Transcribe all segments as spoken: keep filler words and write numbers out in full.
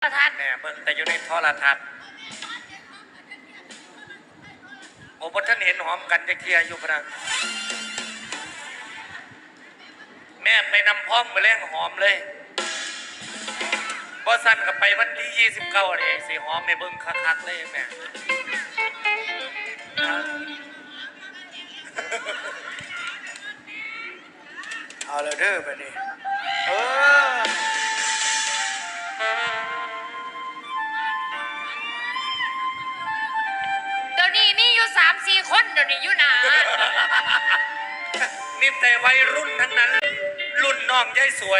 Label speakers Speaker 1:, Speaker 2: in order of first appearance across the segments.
Speaker 1: โทรทัศน์
Speaker 2: แม่เบิ่งแต่อยู่ในโทรทัศน์โอ้พอท่านเห็นหอมกันจะเคลียร์อยู่พนะแม่ไปนำพร้อมมาแล้งหอมเลยบอสันกับไปวันที่ยี่สิบเก้าเลยสิหอมไม่เบิ่งคักๆเลยแม่
Speaker 3: เอาเลยเด้อไปนี่เออ
Speaker 1: เดี๋ยวนี้มีอยู่สามสี่คนเดี๋ยวนี้อยู่หนา
Speaker 2: มีแต่วัยรุ่นทั้งนั้น รุ่นน้องยายสวย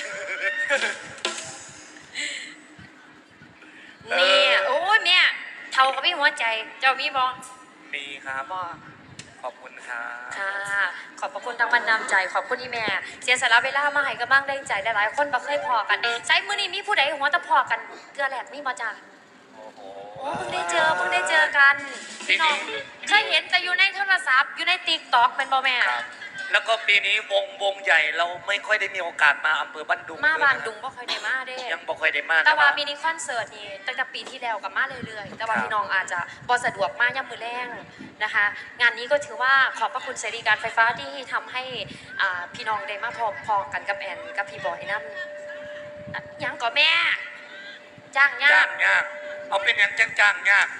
Speaker 1: แม่โอ้ยแม่เท่ากับพี่หัวใจเจ้ามีบอ
Speaker 2: มีครับ
Speaker 1: บอ
Speaker 2: ขอบคุณครับ
Speaker 1: ค่ะขอบพระคุณทางมันนำใจขอบคุณที่แม่เสียสละเวลามาให้กำลังแรงใจหลายๆคนบ่เคยพอกันใช้มือนี้มีผู้ใดหัวตะพอกันเกลือแหลกมีบ่จ้า
Speaker 2: โอ้โห
Speaker 1: โอ้เพิ่งได้เจอเพิ่งได้เจอกันพี่น้องเคยเห็นแต่อยู่ในโทรศัพท์อยู่ในติ๊กต็อกเป็นบ่แม่
Speaker 2: ครับแล้วก็ปีนี้วงวงใหญ่เราไม่ค่อยได้มีโอกาสมาอำเภอบ้านดุง
Speaker 1: มา
Speaker 2: เลยะ
Speaker 1: บานดุงบ่ค่อยได้มาเด้
Speaker 2: ยังบ่ค่อยได้มา
Speaker 1: แต่ว่า
Speaker 2: นะ
Speaker 1: มินิคอนเสิร์ตนี่ตั้งแต่ปีที่แล้วกับมาเรื่อยๆ แต่ว่า
Speaker 2: ครับ
Speaker 1: พี่น้องอาจจะบ่สะดวกมาย่ำมือแรงนะคะ งานนี้ก็ถือว่าขอบพระคุณเสรีการไฟฟ้าที่ทำให้อ่าพี่น้องได้มาพอพอกันกับแอนกับพี่บอยนั่นอ่ะยังก่อแม่ จ้างยา
Speaker 2: จ้าก งยากเอาเป็นอย่างจ้างจ้างยากแม่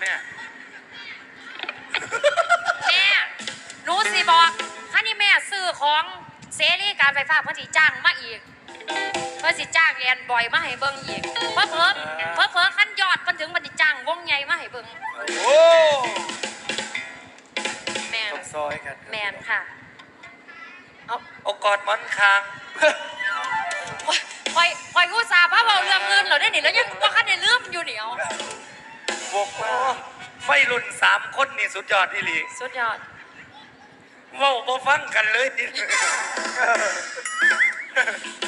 Speaker 1: แม่หนูสิบอกคันนี้แม่ซื้อของเสรีการไฟฟ้าเพื่อสิจ้างมาอีกเพื่อสิจ้างแอนบอยมาให้เบิ่งอีกเพิ่มเพิ่มเพิ่มเพิ่มขั้นยอดเพิ่นถึงมันสิจ้างวงใหญ่มาให้เบิ่ง
Speaker 3: โอ้
Speaker 1: แม่น
Speaker 3: ต้องซอยกัน
Speaker 1: แมนค่ะ เอา
Speaker 2: โอกอดหมอนคาง
Speaker 1: คอยคอยกูซาพระเบาเรื่องเงินเหรอได้หนิแล้วยังว่าคันในเรื่องอยู่เหนียว
Speaker 3: บวกมา
Speaker 2: ไฟรุ่นสามคนนี่สุดยอดที่ลี
Speaker 1: สุดยอด
Speaker 2: เว้าบ่ฟังกันเลยนี่